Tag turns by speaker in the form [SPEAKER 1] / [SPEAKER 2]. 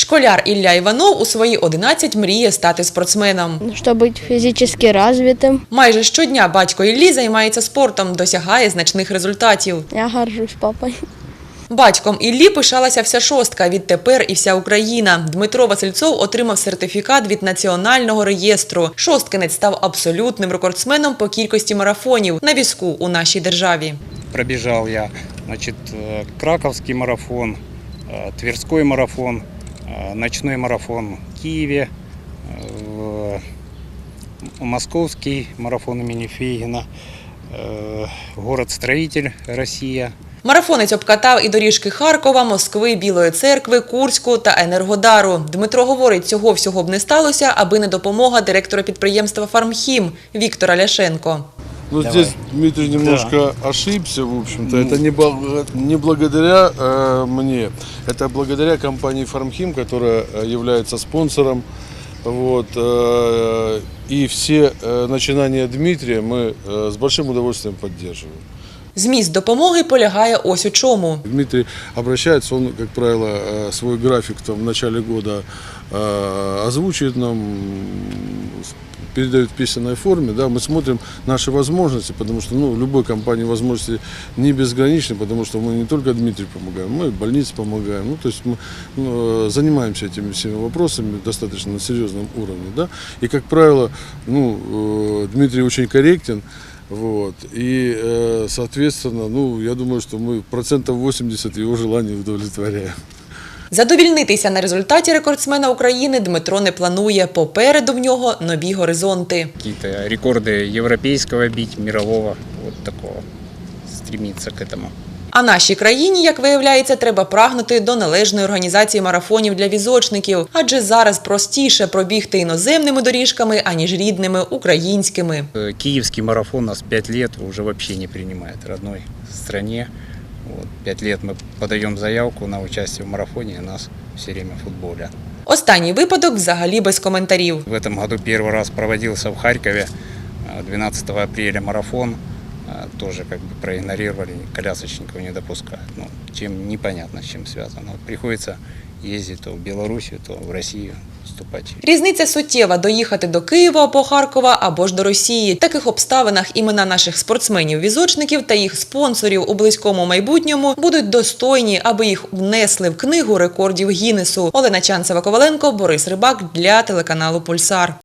[SPEAKER 1] Школяр Ілля Іванов у свої 11 мріє стати спортсменом.
[SPEAKER 2] Щоб бути фізично розвитим.
[SPEAKER 1] Майже щодня батько Іллі займається спортом, досягає значних результатів.
[SPEAKER 2] Я горжусь папою.
[SPEAKER 1] Батьком Іллі пишалася вся шостка, відтепер і вся Україна. Дмитро Васильцов отримав сертифікат від Національного реєстру. Шосткинець став абсолютним рекордсменом по кількості марафонів на візку у нашій державі.
[SPEAKER 3] Пробежал я, Краковский марафон, Тверской марафон, ночной марафон в Киеве, Московский марафон имени Фейгина, город-строитель Россия.
[SPEAKER 1] Марафонець обкатав і доріжки Харкова, Москви, Білої Церкви, Курську та Енергодару. Дмитро говорить, цього всього б не сталося, аби не допомога директора підприємства «Фармхім» Віктора Ляшенко.
[SPEAKER 4] Ну, здесь Дмитрий немножко ошибся, в общем-то. Это не благодаря мне, это благодаря компании «Фармхим», которая является спонсором. Вот, и все начинания Дмитрия мы с большим удовольствием поддерживаем.
[SPEAKER 1] Зміст допомоги полягає ось у чому.
[SPEAKER 4] Дмитрий обращается, он, как правило, свой график в начале года озвучивает нам, передает в письменной форме, да, мы смотрим наши возможности, потому что в любой компании возможности не безграничны, потому что мы не только Дмитрию помогаем, мы и больнице помогаем, то есть мы занимаемся этими всеми вопросами достаточно на серьезном уровне, да, и, как правило, Дмитрий очень корректен. Вот. И, соответственно, я думаю, что мы 80% его желаний удовлетворяем.
[SPEAKER 1] Задовільнитися на результаті рекордсмена України Дмитро не планує. Попереду в нього нові горизонти.
[SPEAKER 3] Какие-то рекорды европейского бить, мирового, вот такого, стремиться к этому.
[SPEAKER 1] А нашій країні, як виявляється, треба прагнути до належної організації марафонів для візочників. Адже зараз простіше пробігти іноземними доріжками, аніж рідними українськими.
[SPEAKER 3] Киевский марафон нас 5 лет уже вообще не принимает в родной стране. 5 лет мы подаем заявку на участие в марафоне, и нас все время футболят.
[SPEAKER 1] Останній випадок взагалі без коментарів.
[SPEAKER 3] В этом году первый раз проводился в Харькове, 12 апреля марафон. Тоже проигнорировали, колясочников не допускают. Чем непонятно, с чем связано. Приходится ездить то в Белоруссию, то в Россию вступать.
[SPEAKER 1] Різниця суттєва – доїхати до Києва або Харкова, або ж до Росії. В таких обставинах імена наших спортсменів-візочників та їх спонсорів у близькому майбутньому будуть достойні, аби їх внесли в книгу рекордів Гіннесу. Олена Чанцева-Коваленко, Борис Рибак для телеканалу «Пульсар».